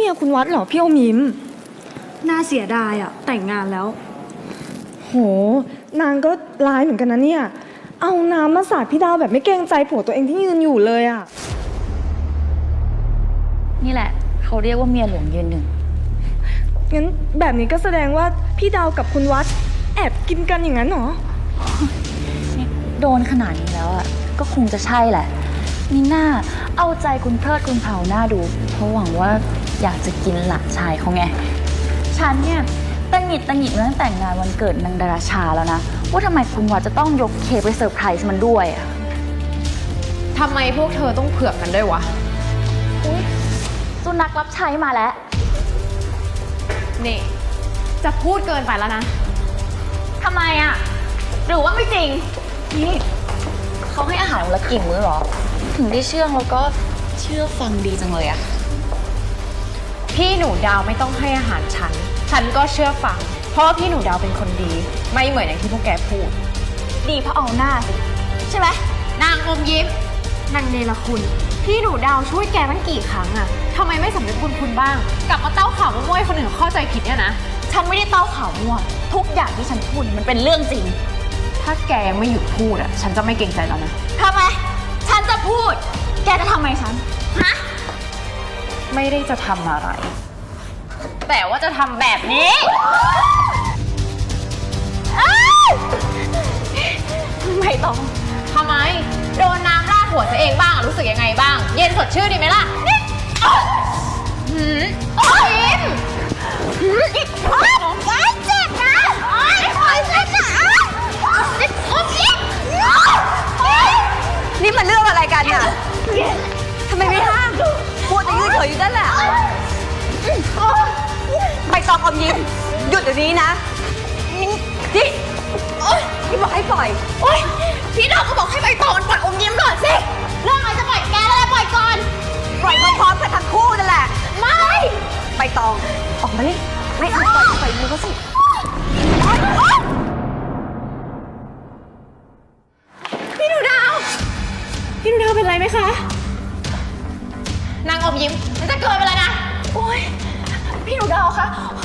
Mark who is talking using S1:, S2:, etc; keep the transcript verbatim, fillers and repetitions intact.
S1: ยคุณวัดเหรอพี่อมยิ้ม
S2: น่าเสียดายอะแต่งงานแล้ว
S1: โหนางก็ร้ายเหมือนกันนะเนี่ยเอาน้ำมาสาดพี่ดาวแบบไม่เกรงใจผัวตัวเองที่ยืนอยู่เลยอะ
S3: นี่แหละเขาเรียกว่าเมียหลวงยืนหนึ่ง
S1: งั้นแบบนี้ก็แสดงว่าพี่ดาวกับคุณวัดแอบกินกันอย่างนั้นเหรอ
S3: โดนขนาดนี้แล้วอ่ะก็คงจะใช่แหละนี่น่าเอาใจคุณเทิดคุณเผาหน้าดูเพราะหวังว่าอยากจะกินหลานชายเขาไงฉันเนี่ยตังหงิดตังหงิดมาตั้งแต่งานวันเกิดนางดาราชาแล้วนะว่าทำไมคุณวัดจะต้องยกเค้กไปเซอร์ไพรส์มันด้วยอ่ะ
S4: ทำไมพวกเธอต้องเผือกกันด้วยวะ
S3: อุ๊ยสุนัขรับใช้มาแล้ว
S4: นี่จะพูดเกินไปแล้วนะ
S3: ทำไมอ่ะหรือว่าไม่จริงนี่เขาให้อาหารวันละกี่มื้อหรอถึงได้เชื่องแล้วก็เชื่อฟังดีจังเลยอะ
S4: พี่หนูดาวไม่ต้องให้อาหารฉันฉันก็เชื่อฟังเพราะว่าพี่หนูดาวเป็นคนดีไม่เหมือนอย่างที่พวกแกพูด
S3: ดีเพราะเอาหน้าสิใช่ไหม
S4: นางอมยิ้มนางเนรคุณพี่หนูดาวช่วยแกตั้งกี่ครั้งอะทำไมไม่สำนึกบุญคุณบ้างกลับมาเต้าข่าวมั่วให้คนอื่นเข้าใจผิดเนี่ยนะ
S3: ฉันไม่ได้เต้าข่าวมั่วทุกอย่างที่ฉันพูดมันเป็นเรื่องจริง
S4: ถ้าแกยังไม่หยุดพูดอะฉันจะไม่เกรงใจแล้วนะ
S3: ทำไมฉันจะพูดแกจะทำไมฉันฮะ
S4: ไม่ได้จะทำอะไรแต่ว่าจะทำแบบนี้ไม่ต้องทำไมโดนน้ำราดหัวตัวเองบ้างรู้สึกยังไงบ้างเย็นสดชื่นดีไหมล่ะหืมโอ้ยหืมอีกโอ้ยเจ็บนะโอ้ยโอ้ยเจ็บนะโอ้ย
S5: นี่มันเรื่องอะไรกันเนี่ยทำไมไม่ห้ามพูดจะยืดเฉยอยู่นั่นแหละใบตองอมยิ้มหยุดเดี๋ยวนี้นะนี่พี่บอกให้ปล่อย
S4: โอ๊ยพี่ดอกก็บอกให้ใบตองมันปล่อยอมยิ้มก่อนสิเรื่องอะไรจะปล่อยแกแล้วปล่อยก่อน
S5: ปล่อยพร้อมๆกันทั้งคู่นั่นแหละ
S4: ไม่
S5: ใบตองออกมาดิไม่เอาปล่อยปล่อยมือเขาสิ
S4: พี่หนูดาวพี่หนูดาวเป็นไรไหมคะนางอมยิ้มมันจะเกินไปแล้วนะ
S3: โอ๊ยพี่หนูดาวคะ